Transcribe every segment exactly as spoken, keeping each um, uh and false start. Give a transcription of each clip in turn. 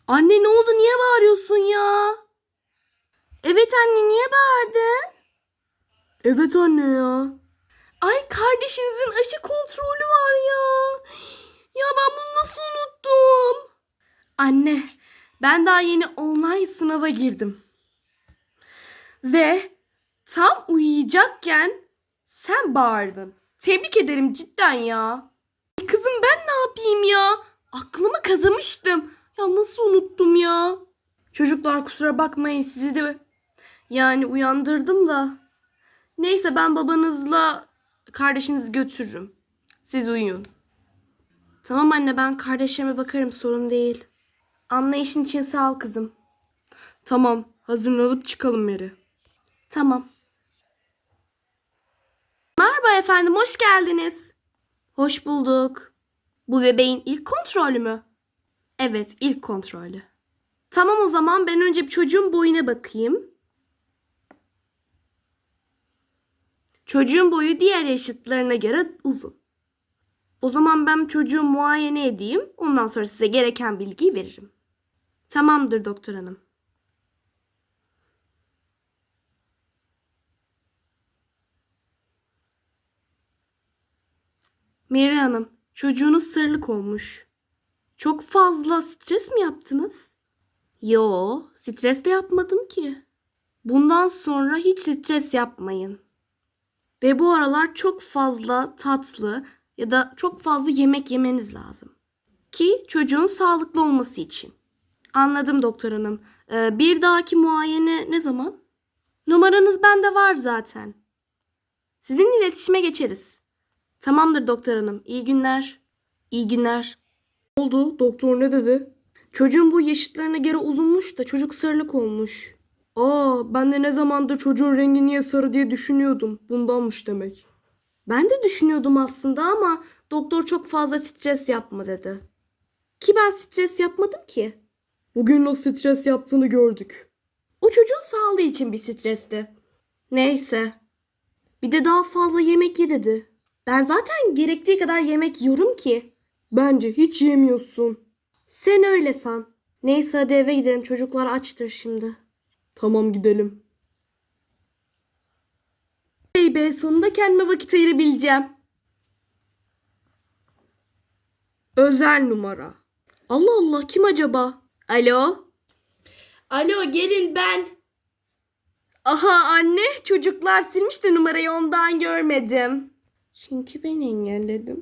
Anne ne oldu? Niye bağırıyorsun ya? Evet anne niye bağırdın? Evet anne ya. Ay kardeşinizin aşı kontrolü var ya. Ya ben bunu nasıl unuttum? Anne ben daha yeni online sınava girdim. Ve tam uyuyacakken sen bağırdın. Tebrik ederim cidden ya. Kızım ben ne yapayım ya? Aklımı kazımıştım. Ya nasıl unuttum ya? Çocuklar kusura bakmayın sizi de yani uyandırdım da. Neyse ben babanızla kardeşinizi götürürüm. Siz uyuyun. Tamam anne ben kardeşime bakarım sorun değil. Anlayışın için sağ ol kızım. Tamam hazırlanıp çıkalım Meri. Tamam. Merhaba efendim hoş geldiniz. Hoş bulduk. Bu bebeğin ilk kontrolü mü? Evet ilk kontrolü. Tamam o zaman ben önce bir çocuğun boyuna bakayım. Çocuğun boyu diğer yaşıtlarına göre uzun. O zaman ben çocuğu muayene edeyim. Ondan sonra size gereken bilgiyi veririm. Tamamdır doktor hanım. Meri Hanım, çocuğunuz sarılık olmuş. Çok fazla stres mi yaptınız? Yo, stres de yapmadım ki. Bundan sonra hiç stres yapmayın. Ve bu aralar çok fazla tatlı ya da çok fazla yemek yemeniz lazım. Ki çocuğun sağlıklı olması için. Anladım doktor hanım. Ee, bir dahaki muayene ne zaman? Numaranız bende var zaten. Sizinle iletişime geçeriz. Tamamdır doktor hanım. İyi günler. İyi günler. Ne oldu? Doktor ne dedi? Çocuğun bu yaşıtlarına göre uzunmuş da çocuk sarılık olmuş. Aa, ben de ne zamandır çocuğun rengi niye sarı diye düşünüyordum. Bundanmış demek. Ben de düşünüyordum aslında ama doktor çok fazla stres yapma dedi. Ki ben stres yapmadım ki. Bugün nasıl stres yaptığını gördük. O çocuğun sağlığı için bir stresti. Neyse. Bir de daha fazla yemek ye dedi. Ben zaten gerektiği kadar yemek yiyorum ki. Bence hiç yemiyorsun. Sen öyle san. Neyse hadi eve gidelim. Çocuklar açtır şimdi. Tamam gidelim. Hey be sonunda kendime vakit ayırabileceğim. Özel numara. Allah Allah kim acaba? Alo? Alo gelin ben. Aha anne çocuklar silmiş de numarayı ondan görmedim. Çünkü ben engelledim.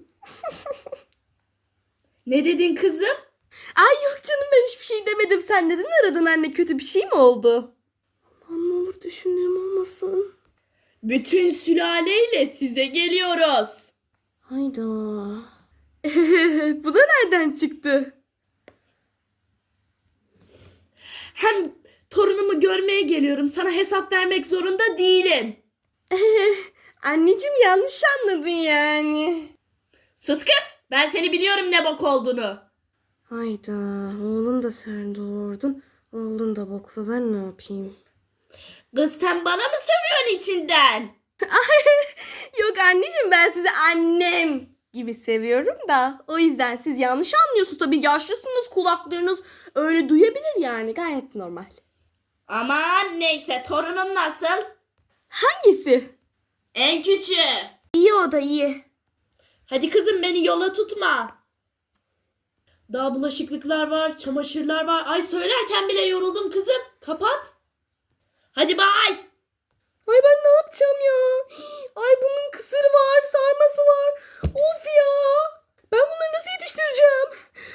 Ne dedin kızım? Ay yok canım ben hiçbir şey demedim. Sen neden aradın anne? Kötü bir şey mi oldu? Allah'ım ne olur düşündüğüm olmasın. Bütün sülaleyle size geliyoruz. Hayda. Bu da nereden çıktı? Hem torunumu görmeye geliyorum. Sana hesap vermek zorunda değilim. Anneciğim yanlış anladın yani. Sus kız. Ben seni biliyorum ne bok olduğunu. Hayda oğlum da sen doğurdun. Oğlun da boklu ben ne yapayım? Kız sen bana mı sövüyorsun içinden? Yok anneciğim ben sizi annem gibi seviyorum da o yüzden siz yanlış anlıyorsunuz tabii yaşlısınız kulaklarınız öyle duyabilir yani gayet normal. Aman neyse torunum nasıl? Hangisi? En küçüğü. İyi o da iyi. Hadi kızım beni yola tutma. Daha bulaşıklıklar var, çamaşırlar var. Ay söylerken bile yoruldum kızım. Kapat. Hadi bay. Ay ben ne yapacağım ya? Ay bunun kısırı var, sarması var. Of ya. Ben bunları nasıl yetiştireceğim?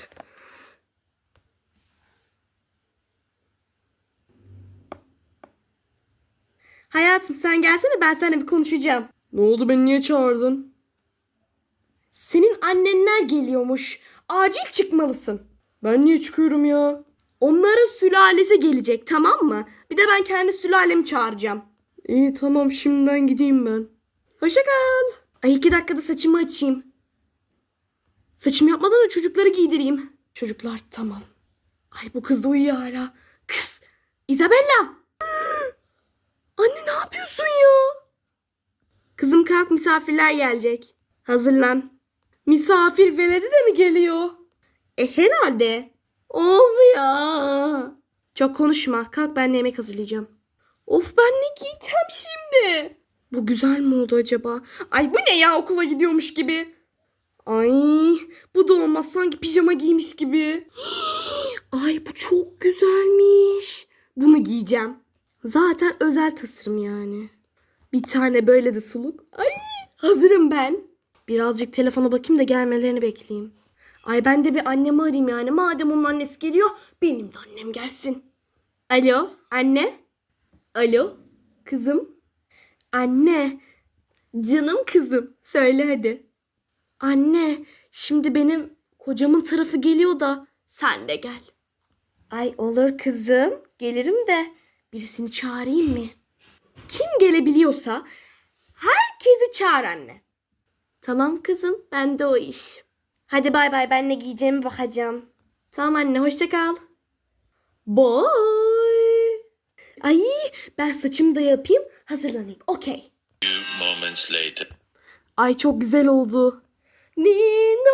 Hayatım sen gelsene ben seninle bir konuşacağım. Ne oldu beni niye çağırdın? Senin annenler geliyormuş. Acil çıkmalısın. Ben niye çıkıyorum ya? Onların sülalesi gelecek tamam mı? Bir de ben kendi sülalemi çağıracağım. İyi tamam şimdiden gideyim ben. Hoşça kal. Ay iki dakikada saçımı açayım. Saçımı yapmadan da çocukları giydireyim. Çocuklar tamam. Ay bu kız da uyuyor hala. Kız Isabella. Anne ne yapıyorsun ya? Kızım kalk misafirler gelecek. Hazırlan. Misafir veledi de mi geliyor? E herhalde. Of ya. Çok konuşma. Kalk, ben de yemek hazırlayacağım. Of, ben ne giyeceğim şimdi? Bu güzel mi oldu acaba? Ay, bu ne ya, okula gidiyormuş gibi. Ay, bu da olmaz, sanki pijama giymiş gibi. Ay, bu çok güzelmiş. Bunu giyeceğim. Zaten özel tasarım yani. Bir tane böyle de suluk. Ay, hazırım ben. Birazcık telefona bakayım da gelmelerini bekleyeyim. Ay, ben de bir annemi arayayım yani. Madem onun annesi geliyor, benim de annem gelsin. Alo, anne. Alo, kızım. Anne, canım kızım. Söyle hadi. Anne, şimdi benim kocamın tarafı geliyor da sen de gel. Ay, olur kızım. Gelirim de birisini çağırayım mı? Kim gelebiliyorsa herkesi çağır anne. Tamam kızım, ben de o iş. Hadi bay bay, ben ne giyeceğimi bakacağım. Tamam anne, hoşça kal. Bye. Ay, ben saçımı da yapayım, hazırlanayım. Okey. Few moments later. Ay, çok güzel oldu. Ninan.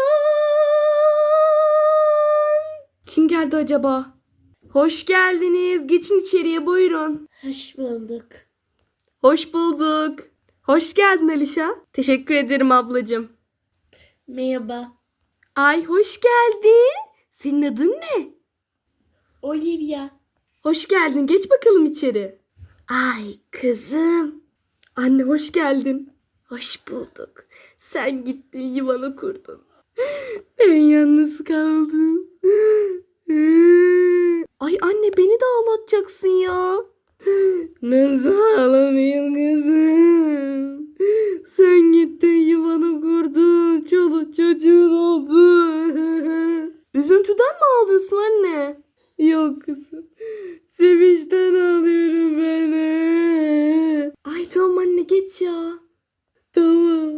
Kim geldi acaba? Hoş geldiniz. Geçin içeriye, buyurun. Hoş bulduk. Hoş bulduk. Hoş geldin Alişa. Teşekkür ederim ablacığım. Merhaba. Ay, hoş geldin. Senin adın ne? Olivia. Hoş geldin. Geç bakalım içeri. Ay kızım. Anne, hoş geldin. Hoş bulduk. Sen gittin, yuvanı kurdun. Ben yalnız kaldım. Ay anne, beni de ağlatacaksın ya. Nasıl ağlamayayım kızım? Sen gittin, yuvanı kurdun. Çoluk çocuğun oldu. Üzüntüden mi ağlıyorsun anne? Yok kızım. Sevinçten ağlıyorum ben. Ay tamam anne, geç ya. Tamam.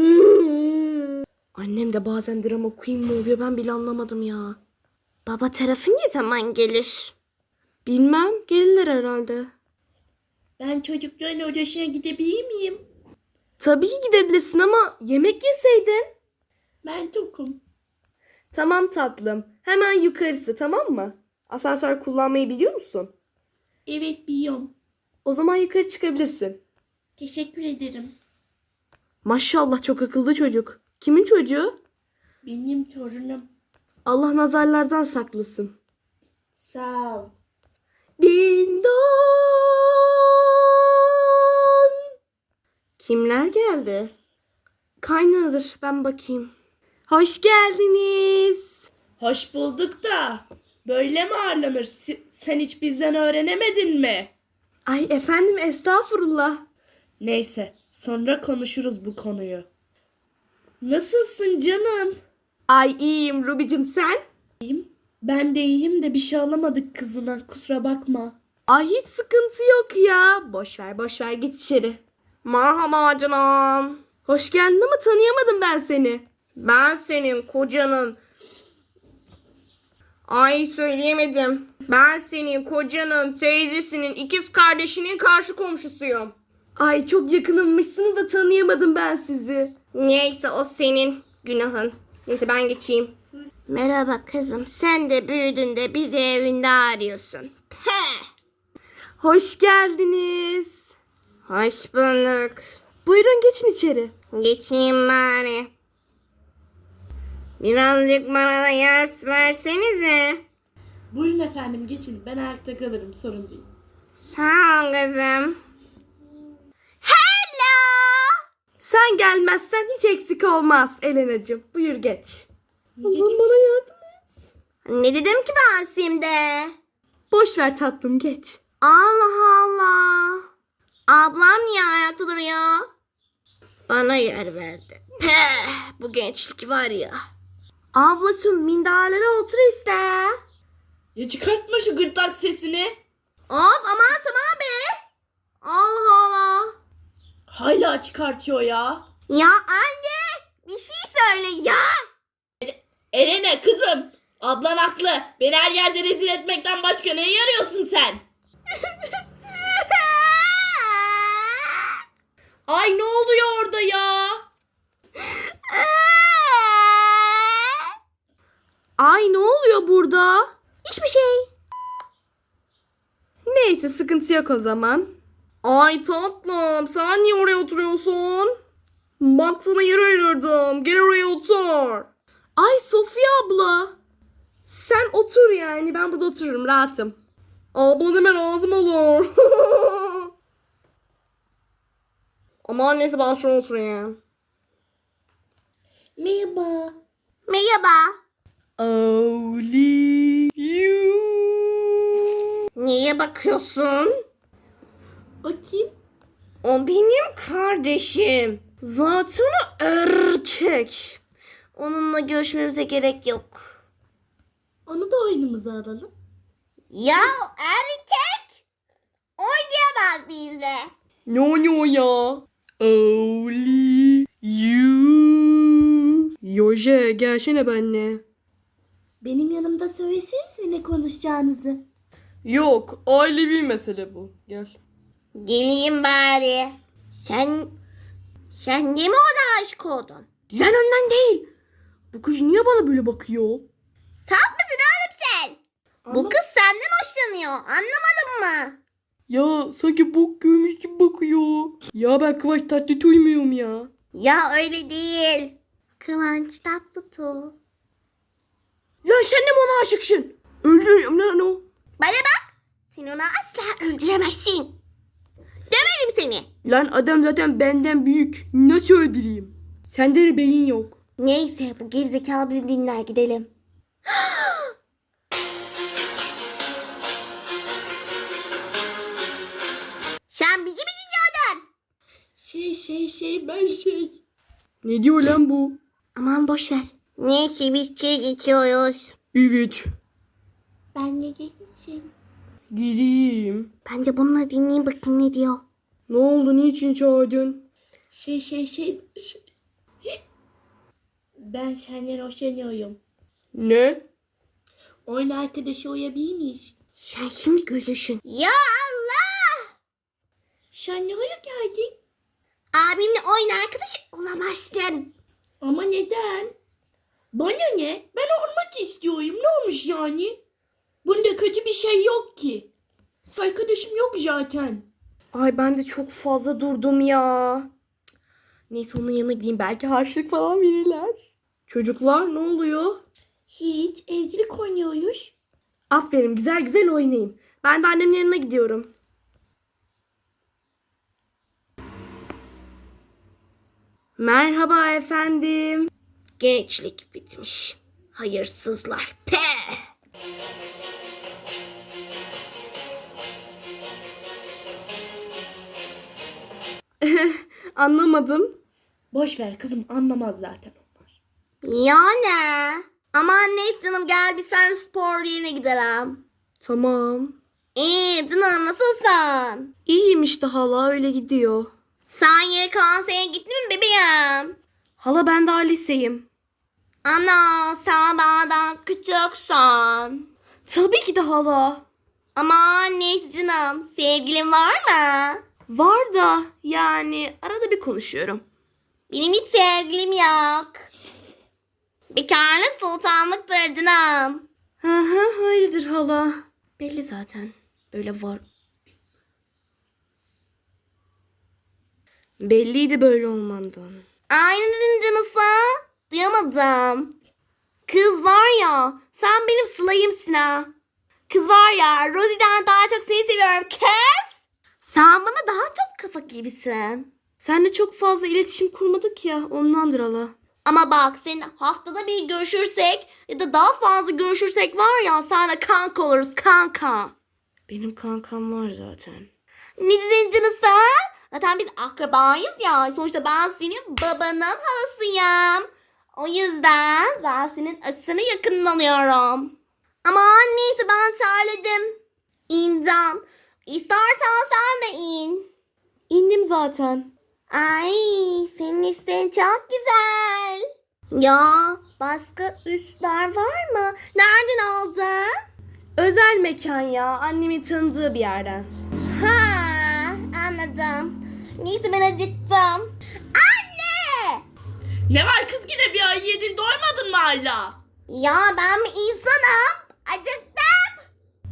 Annem de bazen drama queen mi oluyor, ben bile anlamadım ya. Baba tarafı ne zaman gelir? Bilmem, gelirler herhalde. Ben çocukların odasına gidebilir miyim? Tabii ki gidebilirsin ama yemek yeseydin. Ben tokum. Tamam tatlım. Hemen yukarısı, tamam mı? Asansör kullanmayı biliyor musun? Evet, biliyorum. O zaman yukarı çıkabilirsin. Teşekkür ederim. Maşallah, çok akıllı çocuk. Kimin çocuğu? Benim torunum. Allah nazarlardan saklasın. Sağ ol. Din don. Kimler geldi? Kaynanadır, ben bakayım. Hoş geldiniz. Hoş bulduk da. Böyle mi ağırlanır? Si- Sen hiç bizden öğrenemedin mi? Ay efendim, estağfurullah. Neyse, sonra konuşuruz bu konuyu. Nasılsın canım? Ay iyiyim Rubicim, sen? Ben de iyiyim de bir şey alamadık kızına. Kusura bakma. Ay hiç sıkıntı yok ya. Boş ver boş ver, git içeri. Merhaba canım. Hoş geldin ama tanıyamadım ben seni. Ben senin kocanın. Ay söyleyemedim. Ben senin kocanın teyzesinin ikiz kardeşinin karşı komşusuyum. Ay çok yakınımmışsınız da tanıyamadım ben sizi. Neyse, o senin günahın. Neyse, ben geçeyim. Merhaba kızım. Sen de büyüdün de bizi evinde arıyorsun. Peh. Hoş geldiniz. Hoş bulduk. Buyurun geçin içeri. Geçeyim bari. Birazcık bana da yer versenize. Buyurun efendim, geçin. Ben ayakta kalırım, sorun değil. Sağ ol kızım. Hello. Sen gelmezsen hiç eksik olmaz Elena'cığım. Buyur geç. Allah'ım bana yardım et. Ne dedim ki ben şimdi? Boş ver tatlım, geç. Allah Allah. Ablam niye ayakta duruyor? Bana yer verdi. Peh, bu gençlik var ya. Ablacığım, minderlere otur iste. Ya çıkartma şu gırtlak sesini. Of aman tamam be. Allah Allah. Hala çıkartıyor ya. Ya anne, bir şey söyle ya. Elene kızım. Ablan haklı. Beni her yerde rezil etmekten başka neye yarıyorsun sen? Ay ne oluyor orada ya? Ay ne oluyor burada? Hiçbir şey. Neyse sıkıntı yok o zaman. Ay tatlım sen niye oraya oturuyorsun? Bak sana yer ayırdım. Gel oraya otur. Ay Sofya abla. Sen otur yani. Ben burada otururum rahatım. Abla deme lazım olur. Ama neyse ben şuraya oturayım. Merhaba. Merhaba. Only you. Niye bakıyorsun? O kim? O benim kardeşim. Zaten o erkek. Onunla görüşmemize gerek yok. Onu da oyunumuza alalım. Ya erkek oynayamaz bizle. Ne oynuyor ya? Only you. Yoje gelsene benimle. Benim yanımda söylesenize ne konuşacağınızı. Yok ailevi mesele bu. Gel. Geleyim bari. Sen sen niye mi ona aşık oldun? Lan ondan değil. Bu kız niye bana böyle bakıyor? Saf mısın oğlum sen? Bu kız senden hoşlanıyor. Anlamadın mı? Ya sanki bok görmüş gibi bakıyor. Ya ben Kıvanç Tatlıtuğ muyum ya? Ya öyle değil. Kıvanç Tatlıtuğ. Lan sen de mi ona aşıksın? Öldürüyorum lan o. Bana bak. Sen onu asla öldüremezsin. Döverim seni. Lan adam zaten benden büyük. Nasıl öldüreyim? Sende de beyin yok. Neyse bu gerizekalı bizi dinler gidelim. Sen bizi mi dinliyordun? Şey şey şey ben şey. Ne diyor lan bu? Aman boş ver. Neyse biz kez geçiyoruz. Evet. Ben ne geçmişim? Gideyim. Ben de bunları dinleyeyim bakayım ne diyor. Ne oldu? Niçin çağırdın? Şey şey şey şey. Ben senden hoşlanıyorum. Ne? Oyun arkadaşı olabilir miyiz? Sen şimdi görürsün. Ya Allah! Sen ne oraya geldin? Abimle oyun arkadaşı olamazsın. Ama neden? Bana ne? Ben olmak istiyorum. Ne olmuş yani? Bunda kötü bir şey yok ki. Arkadaşım yok zaten. Ay ben de çok fazla durdum ya. Neyse onun yanına gideyim. Belki harçlık falan verirler. Çocuklar ne oluyor? Hiç evcilik oynuyoruz. Aferin güzel güzel oynayın. Ben de annemin yanına gidiyorum. Merhaba efendim. Gençlik bitmiş. Hayırsızlar. Peh. Anlamadım. Boş ver kızım, anlamaz zaten onlar. Yani. Aman neyse canım gel bir sen spor yerine gidelim. Tamam. İyi canım nasılsın? İyiyim işte hala öyle gidiyor. Sen Y K S'ye gittin mi bebeğim? Hala ben daha liseyim. Ana sen benden küçüksün. Tabii ki de hala. Aman neyse canım sevgilin var mı? Var da yani arada bir konuşuyorum. Benim hiç sevgilim yok. Bekarlık sultanlıktır canım. Hı hı öyledir hala. Belli zaten. Böyle var. Belliydi böyle olmandan. Aynı dedin canısı. Duyamadım. Kız var ya sen benim Sıla'yımsın ha. Kız var ya Rosie'den daha çok seni seviyorum kız. Sen bana daha çok kafa gibisin. Seninle çok fazla iletişim kurmadık ya ondandır hala. Ama bak senin haftada bir görüşürsek ya da daha fazla görüşürsek var ya seninle kanka oluruz kanka. Benim kankam var zaten. Ne dedin canısı? Zaten biz akrabayız ya. Sonuçta ben senin babanın halasıyım. O yüzden ben senin asını yakından alıyorum. Ama neyse ben terledim. İndim. İstersen sen de in. İndim zaten. Ay senin isteğin çok güzel. Ya başka üstler var mı? Nereden aldın? Özel mekan ya. Annemin tanıdığı bir yerden. Ha anladım. Neyse ben acıktım. Anne! Ne var kız yine bir ay yedin doymadın mı hala? Ya ben bir insanım. Acıktım.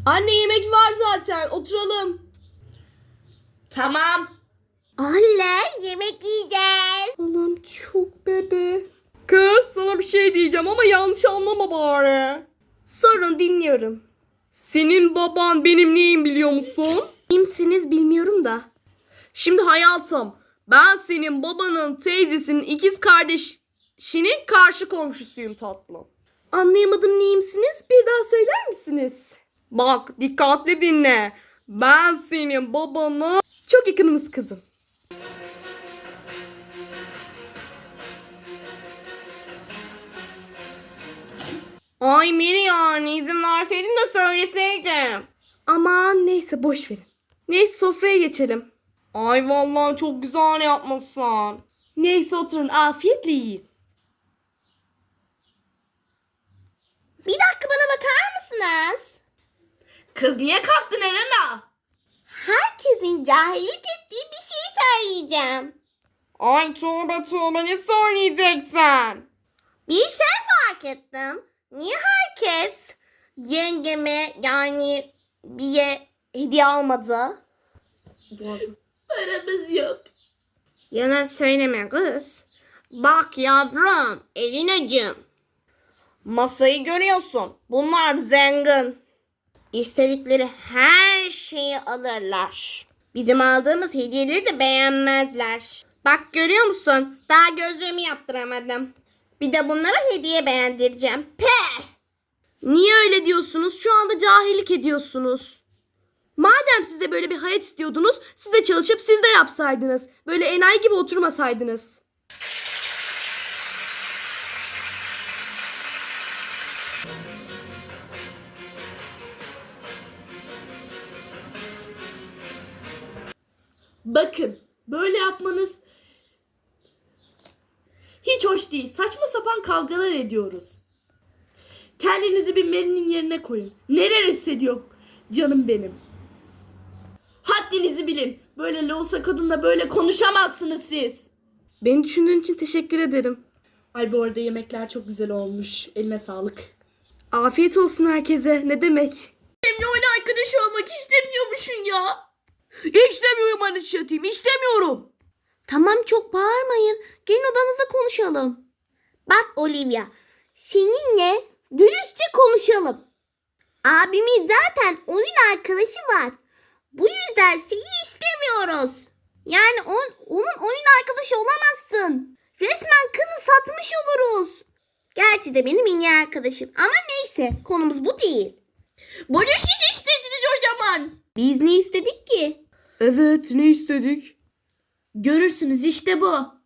Anne yemek var zaten. Oturalım. Tamam. Anne yemek yiyeceğiz. Allah'ım çok bebe. Kız sana bir şey diyeceğim ama yanlış anlama bari. Sorun dinliyorum. Senin baban benim neyim biliyor musun? Kimsiniz bilmiyorum da. Şimdi hayatım ben senin babanın teyzesinin ikiz kardeşinin karşı komşusuyum tatlım. Anlayamadım neyimsiniz? Bir daha söyler misiniz? Bak dikkatli dinle. Ben senin babanın çok yakınımız kızım. Ay Miri yani izin verseydin de söyleseydim. Aman neyse boş verin. Neyse sofraya geçelim. Ay vallahi çok güzel yapmışsın. Neyse oturun afiyetle yiyin. Bir dakika bana bakar mısınız? Kız niye kalktın Elena? Herkesin cahillik ettiği bir şey söyleyeceğim. Ay tövbe tövbe ne söyleyeceksin? Bir şey fark ettim. Niye herkes yengeme yani bir hediye almadı? Paramız yok. Yalan söyleme kız. Bak yavrum, Elinacığım. Masayı görüyorsun. Bunlar zengin. İstedikleri her şeyi alırlar. Bizim aldığımız hediyeleri de beğenmezler. Bak görüyor musun? Daha gözlüğümü yaptıramadım. Bir de bunlara hediye beğendireceğim. Peh! Niye öyle diyorsunuz? Şu anda cahillik ediyorsunuz. Madem siz de böyle bir hayat istiyordunuz, siz de çalışıp siz de yapsaydınız. Böyle enayi gibi oturmasaydınız. Bakın böyle yapmanız hiç hoş değil. Saçma sapan kavgalar ediyoruz. Kendinizi bir Mary'nin yerine koyun. Neler hissediyor canım benim. Haddinizi bilin. Böyle loğusa kadınla böyle konuşamazsınız siz. Beni düşündüğün için teşekkür ederim. Ay bu arada yemekler çok güzel olmuş. Eline sağlık. Afiyet olsun herkese. Ne demek? Benimle öyle arkadaş olmak istemiyormuşsun ya. İstemiyorum anlaşatayım. İstemiyorum. Tamam çok bağırmayın. Gelin odamızda konuşalım. Bak Olivia, seninle dürüstçe konuşalım. Abimin zaten oyun arkadaşı var. Bu yüzden seni istemiyoruz. Yani on, onun oyun arkadaşı olamazsın. Resmen kızı satmış oluruz. Gerçi de benim en iyi arkadaşım. Ama neyse konumuz bu değil. Barışıcı istediniz o zaman. Biz ne istedik ki? Evet ne istedik? Görürsünüz işte bu. Anne.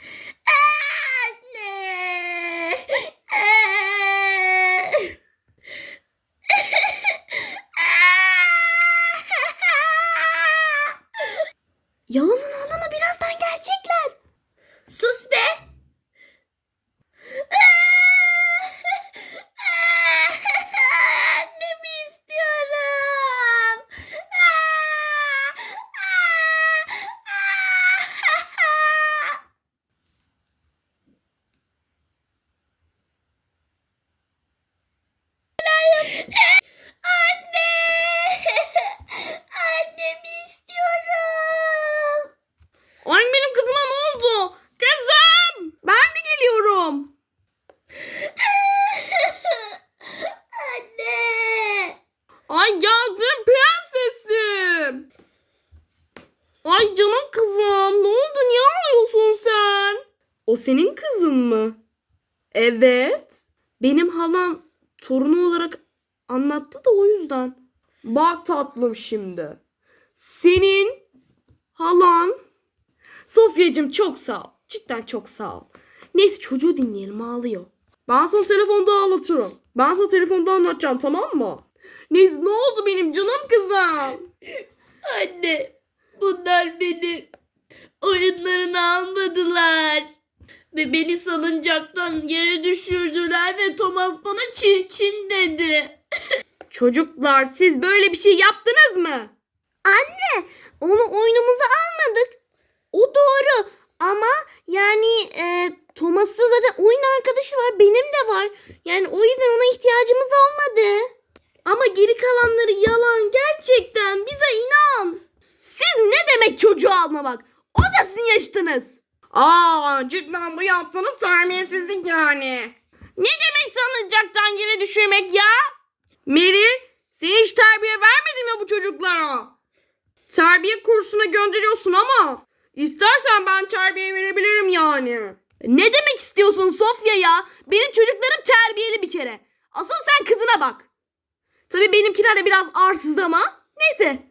Yalanın ağlama birazdan gelecekler. Sus be. Annemi istiyorum. Anne! Annemi istiyorum. Ay benim kızıma ne oldu? Kızım! Ben mi geliyorum? Anne! Ay geldim prensesim. Ay canım kızım ne oldu niye ağlıyorsun sen? O senin kızın mı? Evet. Benim halam torunu olarak anlattı da o yüzden. Bak tatlım şimdi. Senin halan Sofyacığım çok sağ ol. Cidden çok sağ ol. Neyse çocuğu dinleyelim ağlıyor. Ben sana telefonda anlatırım. Ben sana telefonda anlatacağım tamam mı? Neyse ne oldu benim canım kızım? Anne, bunlar beni oyunlarına almadılar. Ve beni salıncaktan yere düşürdüler ve Thomas bana çirkin dedi. Çocuklar siz böyle bir şey yaptınız mı? Onu oyunumuza almadık. O doğru. Ama yani e, Thomas'ın zaten oyun arkadaşı var. Benim de var. Yani o yüzden ona ihtiyacımız olmadı. Ama geri kalanları yalan. Gerçekten bize inan. Siz ne demek çocuğu almamak? O da sizin yaşıtınız. Aa, cidden bu yaptığınız terbiyesizlik yani. Ne demek sanacaktan yere düşürmek ya? Mary, sen hiç terbiye vermedin mi bu çocuklara? Terbiye kursuna gönderiyorsun ama istersen ben terbiye verebilirim yani. Ne demek istiyorsun Sofya ya? Benim çocuklarım terbiyeli bir kere. Asıl sen kızına bak. Tabii benimkiler de biraz arsız ama neyse.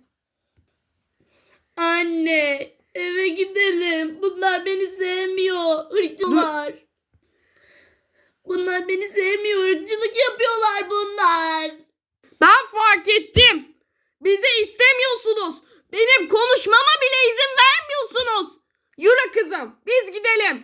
Anne, eve gidelim. Bunlar beni sevmiyor. Irkçılar. Bunlar beni sevmiyor. Irkçılık yapıyorlar bunlar. Ben fark ettim. Bizi istemiyorsunuz. Benim konuşmama bile izin vermiyorsunuz. Yürü kızım, biz gidelim.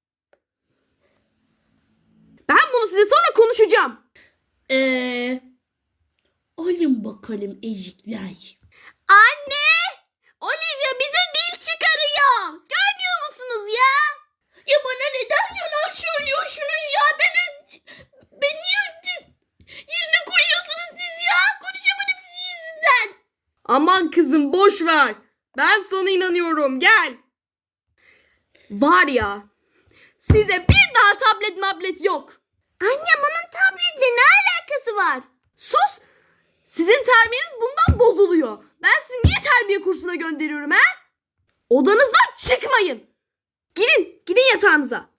Ben bunu size sonra konuşacağım. Eee... Alın bakalım ezikler. Anne! Olivia bize dil çıkarıyor. Görmüyor musunuz ya? Ya bana neden yalan söylüyorsunuz ya? Beni, beni niye yerine koyuyorsunuz siz ya? Konuşamadım sizin yüzünden. Aman kızım boş ver. Ben sana inanıyorum. Gel. Var ya. Size bir daha tablet mablet yok. Anne bunun tabletle ne alakası var? Sus. Sizin terbiyeniz bundan bozuluyor. Ben sizi niye terbiye kursuna gönderiyorum ha? Odanızdan çıkmayın. Gidin. Gidin yatağınıza.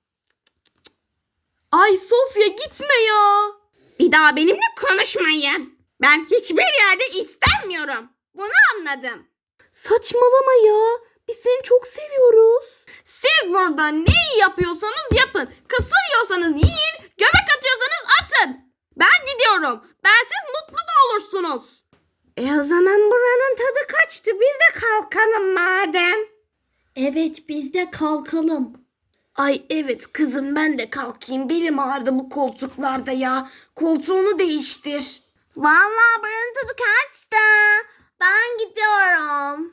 Ay Sofya gitme ya. Bir daha benimle konuşmayın. Ben hiçbir yerde istemiyorum. Bunu anladım. Saçmalama ya. Biz seni çok seviyoruz. Siz burada neyi yapıyorsanız yapın. Kısır yiyorsanız yiyin. Göbek atıyorsanız atın. Ben gidiyorum. Bensiz mutlu da olursunuz. E o zaman buranın tadı kaçtı. Biz de kalkalım madem. Evet biz de kalkalım. Ay evet kızım ben de kalkayım. Belim ağrıdı bu koltuklarda ya. Koltuğunu değiştir. Vallahi buranın tadı kaçtı. Ben gidiyorum.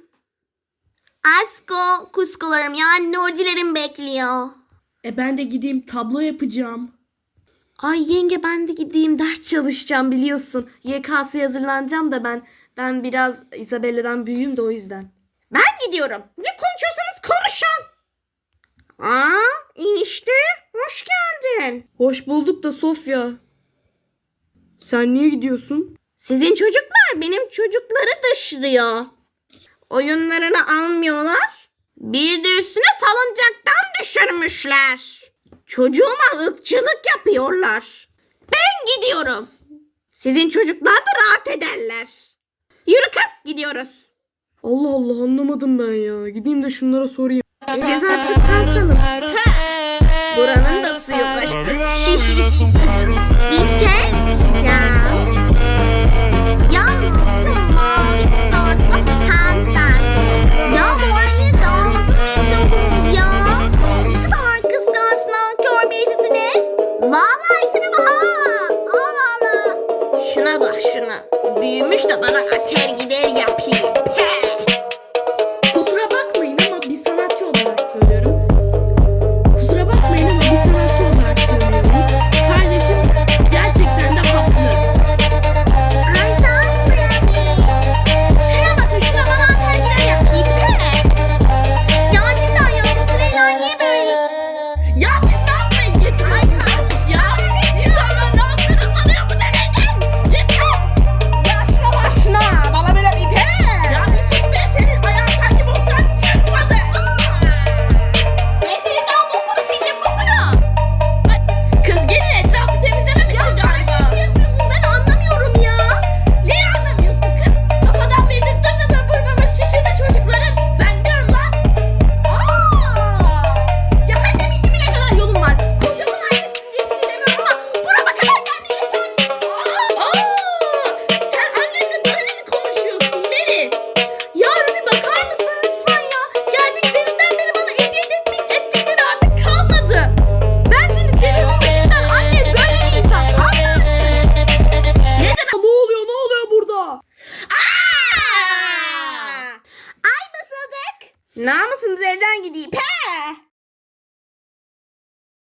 Asko, kuskolarım yani Nurcilerim bekliyor. E ben de gideyim tablo yapacağım. Ay yenge ben de gideyim ders çalışacağım biliyorsun. Y K S'ye hazırlanacağım da ben. Ben biraz Isabella'dan büyüğüm de o yüzden. Ben gidiyorum. Ne konuşuyorsanız konuşun. Aa, enişte hoş geldin. Hoş bulduk da Sofya. Sen niye gidiyorsun? Sizin çocuklar benim çocukları dışlıyor. Oyunlarını almıyorlar. Bir de üstüne salıncaktan düşürmüşler. Çocuğuma ırkçılık yapıyorlar. Ben gidiyorum. Sizin çocuklar da rahat ederler. Yürü kız gidiyoruz. Allah Allah anlamadım ben ya. Gideyim de şunlara sorayım. E biz artık kalkalım. Buranın da suyu kaçtı. Bir şey diyeceğim. Yalnız şu mavi tişörtlü hanımefendi. Ya bu anne daha mısın istiyorsunuz ya? Ne kadar kıskanç nankör birisiniz. Vallahi şuna bak ha. Allah Allah. Şuna bak şuna. Büyümüş de bana ater gider yapayım. Kusura bakmayın ama bir sanatçı olarak söylüyorum. Kusura bakmayın ama bir sanatçı olarak söylüyorum. Kardeşim gerçekten de haklı. Ay sağ yani. Şuna bakın şuna bana atar gider yapayım. Ya cidden ya bu Süleyla niye böyle? Ya siz ne yapmayın? Yeter artık ya. İnsanlar ne yaptığını sanıyor bu deneyden. Yeter. Ya şuna bak şuna. Bana böyle bir pe. Ya bir sus be, senin ayağın sanki boktan çıkmadı. Ben senin daha bokunu sildim bokunu. Kız gelin etrafı temizlememişsin galiba. Ne yapıyorsun ben anlamıyorum ya. Neyi anlamıyorsun kız? Kafadan beri dır dır dır bır bır bır şişirdi çocukların. Ben gidiyorum lan. Cehennemin dibine kadar yolum var. Kocaman annesin diye bir şey demiyorum ama burama kadar geldi yeter. Aa, sen annenle böyle mi konuşuyorsun Meri? Ya Ruby bakar mısın lütfen ya? Geldiklerinden beri bana eziyet etmek ettikleri artık kalmadı. Ben seni seviyorum ama cidden anne böyle bir insan. Anla artık. Neden? Ne oluyor ne oluyor burada? Ay basıldık. Namusumuz elden gidiyor. Pe.